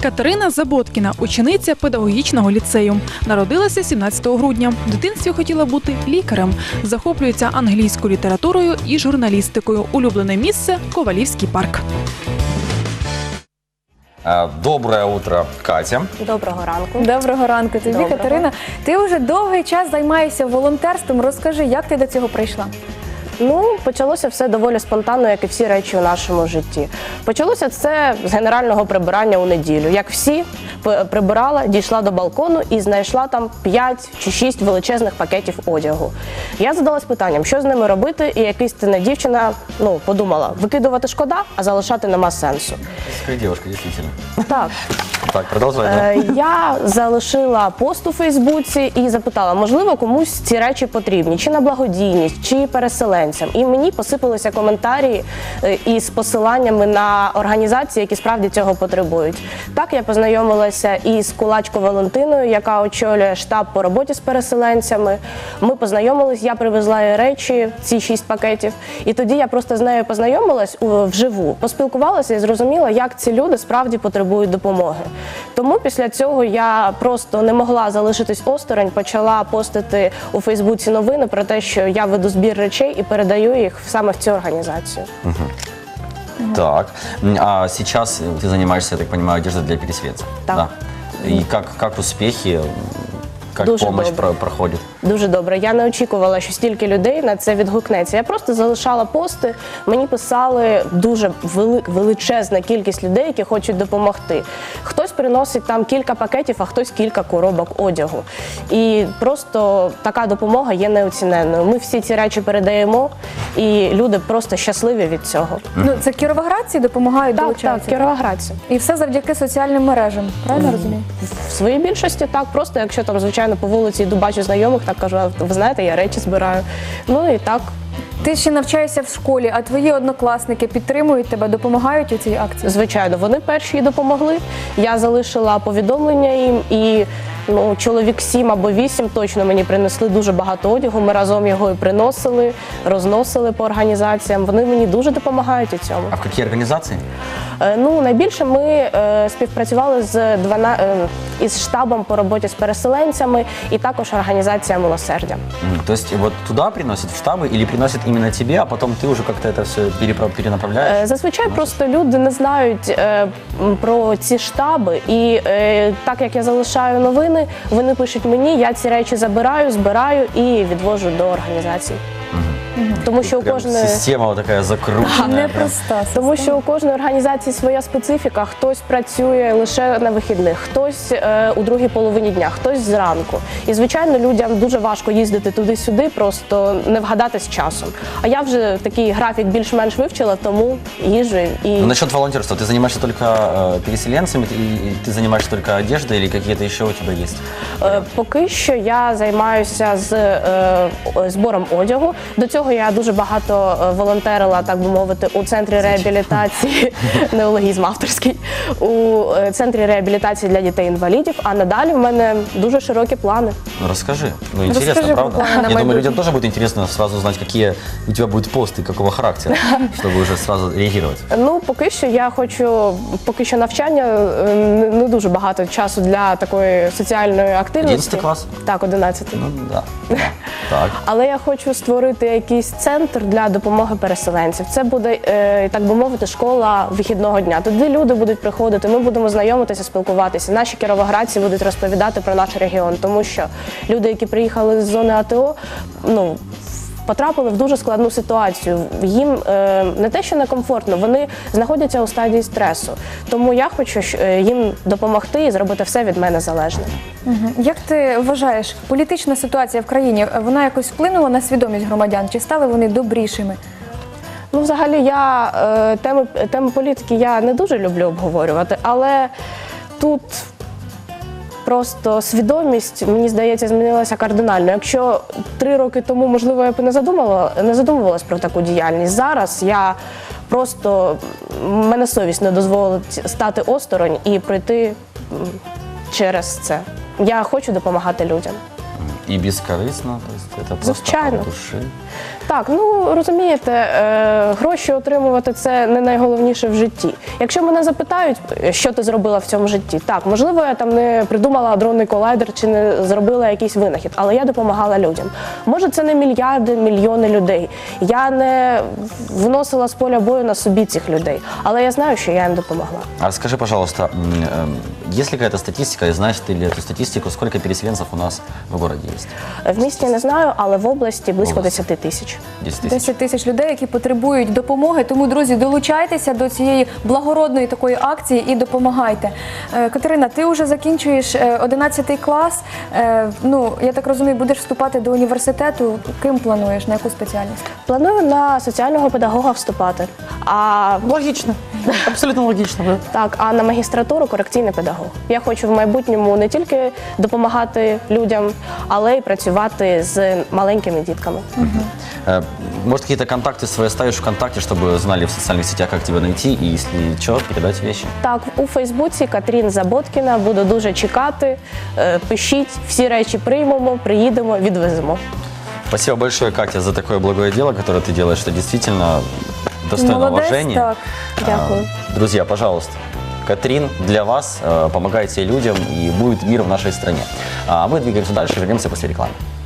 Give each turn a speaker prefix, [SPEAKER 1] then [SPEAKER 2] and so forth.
[SPEAKER 1] Катерина Заботкіна – учениця педагогічного ліцею. Народилася 17 грудня. В дитинстві хотіла бути лікарем. Захоплюється англійською літературою і журналістикою. Улюблене місце – Ковалівський парк.
[SPEAKER 2] Доброе утро, Катя.
[SPEAKER 3] Доброго ранку.
[SPEAKER 4] Доброго ранку тобі,
[SPEAKER 3] Доброго.
[SPEAKER 4] Катерина. Ти вже довгий час займаєшся волонтерством. Розкажи, як ти до цього прийшла?
[SPEAKER 3] Ну, почалося все доволі спонтанно, як і всі речі у нашому житті. Почалося це з генерального прибирання у неділю. Як всі, прибирала, дійшла до балкону і знайшла там 5 чи 6 величезних пакетів одягу. Я задалась питанням, що з ними робити, і якась дівчина подумала, викидувати шкода, а залишати нема сенсу.
[SPEAKER 2] Красивая девушка, действительно.
[SPEAKER 3] Так.
[SPEAKER 2] Так, продолжай.
[SPEAKER 3] Я залишила пост у Фейсбуці і запитала, можливо, комусь ці речі потрібні, чи на благодійність, чи переселенцям. І мені посипалися коментарі із посиланнями на організації, які справді цього потребують. Так я познайомилася із Кулачко Валентиною, яка очолює штаб по роботі з переселенцями. Ми познайомились, я привезла їй речі, ці 6 пакетів. І тоді я просто з нею познайомилась вживу, поспілкувалася і зрозуміла, як ці люди справді потребують допомоги. Тому після цього я просто не могла залишитись осторонь, почала постити у Фейсбуці новини про те, що я веду збір речей і передаю їх саме в цю організацію.
[SPEAKER 2] Так, а сейчас ты занимаешься, я так понимаю, одеждой для переселенцев?
[SPEAKER 3] Так.
[SPEAKER 2] Да. И как успехи, как
[SPEAKER 3] Дуже
[SPEAKER 2] помощь
[SPEAKER 3] добре.
[SPEAKER 2] проходит?
[SPEAKER 3] Дуже добре. Я не очікувала, що стільки людей на це відгукнеться. Я просто залишала пости, мені писали дуже величезна кількість людей, які хочуть допомогти. Хтось приносить там кілька пакетів, а хтось кілька коробок одягу. І просто така допомога є неоціненною. Ми всі ці речі передаємо, і люди просто щасливі від цього.
[SPEAKER 4] Ну, це кіровоградці допомагають
[SPEAKER 3] Так,
[SPEAKER 4] долучатися?
[SPEAKER 3] кіровоградці.
[SPEAKER 4] І все завдяки соціальним мережам, правильно розумію?
[SPEAKER 3] В своїй більшості так, просто якщо там, звичайно, по вулиці йду, бачу знайомих, так кажу, а ви знаєте, я речі збираю. Ну і так.
[SPEAKER 4] Ти ще навчаєшся в школі, а твої однокласники підтримують тебе, допомагають у цій акції?
[SPEAKER 3] Звичайно, вони перші й допомогли. Я залишила повідомлення їм і чоловік 7 або 8 точно мені принесли дуже багато одягу. Ми разом його і приносили, розносили по організаціям. Вони мені дуже допомагають у цьому.
[SPEAKER 2] А в какие организации?
[SPEAKER 3] Найбільше ми співпрацювали із штабом по роботі з переселенцями і також організація «Милосердя».
[SPEAKER 2] То есть вот туда приносят в штабы или приносят именно тебе, а потом ты уже как-то это все перенаправляешь?
[SPEAKER 3] Зазвичай просто люди не знають про ці штаби, і так як я залишаю новини, вони пишуть мені, я ці речі забираю, збираю і відвожу до організації. Тому що у
[SPEAKER 2] Прям
[SPEAKER 3] кожної
[SPEAKER 2] система вот такая закрученная.
[SPEAKER 4] Непроста.
[SPEAKER 3] Тому що у кожної організації своя специфіка. Хтось працює лише на вихідних, хтось у другій половині дня, хтось зранку. І, звичайно, людям дуже важко їздити туди-сюди, просто не вгадати з часом. А я вже такий графік більш-менш вивчила, тому їжджу і...
[SPEAKER 2] Насчет волонтерства, ты занимаешься только переселенцами, и ты занимаешься только одеждой или какие-то еще у тебя есть?
[SPEAKER 3] Поки що я займаюся збором одягу. До цього я дуже багато волонтерила, так би мовити, у центрі реабілітації, неологізм авторський, у центрі реабілітації для дітей-інвалідів, а надалі в мене дуже широкі плани.
[SPEAKER 2] Ну расскажи, интересно,
[SPEAKER 4] Расскажи
[SPEAKER 2] правда?
[SPEAKER 4] буквально на
[SPEAKER 2] Я думаю,
[SPEAKER 4] майбутнє.
[SPEAKER 2] людям тоже будет интересно сразу узнать, какие у тебя будут посты, какого характера, чтобы уже сразу реагировать.
[SPEAKER 3] Поки що я хочу, поки що навчання, не дуже багато часу для такої соціальної активності.
[SPEAKER 2] 11 клас?
[SPEAKER 3] Так, 11.
[SPEAKER 2] Ну да. Так.
[SPEAKER 3] Але я хочу створити якийсь центр для допомоги переселенців. Це буде, так би мовити, школа вихідного дня. Туди люди будуть приходити, ми будемо знайомитися, спілкуватися. Наші кіровоградці будуть розповідати про наш регіон, тому що люди, які приїхали з зони АТО, потрапили в дуже складну ситуацію. Їм не те, що некомфортно, вони знаходяться у стадії стресу. Тому я хочу їм допомогти і зробити все від мене залежне.
[SPEAKER 4] Як ти вважаєш, політична ситуація в країні, вона якось вплинула на свідомість громадян? Чи стали вони добрішими?
[SPEAKER 3] Взагалі, теми політики я не дуже люблю обговорювати, але тут просто свідомість, мені здається, змінилася кардинально. Якщо 3 роки тому, можливо, я б не задумувалась про таку діяльність, зараз я просто, мене совість не дозволить стати осторонь і пройти через це. Я хочу допомагати людям.
[SPEAKER 2] И бескорыстно, то есть это просто
[SPEAKER 3] Звичайно.
[SPEAKER 2] от души.
[SPEAKER 3] Так, ну розумієте, гроші отримувати це не найголовніше в житті. Якщо мене запитають, що ти зробила в цьому житті, так, можливо, я там не придумала адронний колайдер чи не зробила якийсь винахід, але я допомагала людям. Може, це не мільярди, мільйони людей. Я не вносила з поля бою на собі цих людей, але я знаю, що я їм допомогла.
[SPEAKER 2] А скажи, пожалуйста, есть ли какая-то статистика, и знаешь ты ли эту статистику, сколько переселенцев у нас в городе есть?
[SPEAKER 3] В місті не знаю, але в області близько
[SPEAKER 2] Області.
[SPEAKER 3] 10 тисяч.
[SPEAKER 2] 10 тысяч.
[SPEAKER 4] 10 тисяч людей, які потребують допомоги. Тому, друзі, долучайтеся до цієї благородної такої акції і допомагайте. Катерина, ти вже закінчуєш 11 клас. Ну, я так розумію, будеш вступати до університету. Ким плануєш? На яку спеціальність?
[SPEAKER 3] Планую на соціального педагога вступати. А
[SPEAKER 2] Логично. Абсолютно логично, да.
[SPEAKER 3] так, а на магістратуру корекційний педагог. Я хочу в майбутньому не тільки допомагати людям, але й працювати з маленькими дітками.
[SPEAKER 2] Может, какие-то контакты свои оставишь ВКонтакте, чтобы знали в социальных сетях, как тебя найти, и если что, передать вещи.
[SPEAKER 3] Так, у Фейсбуці Катрін Заботкіна, буду дуже чекати. Пишіть, всі речі приймемо, приїдемо, відвеземо.
[SPEAKER 2] Спасибо большое, Катя, за такое благое дело, которое ты делаешь. Это действительно достойно
[SPEAKER 4] Молодець,
[SPEAKER 2] уважения.
[SPEAKER 4] так.
[SPEAKER 3] Дякую.
[SPEAKER 2] Друзья, пожалуйста, Катрин для вас, помогайте людям, и будет мир в нашей стране. А мы двигаемся дальше, вернемся после рекламы.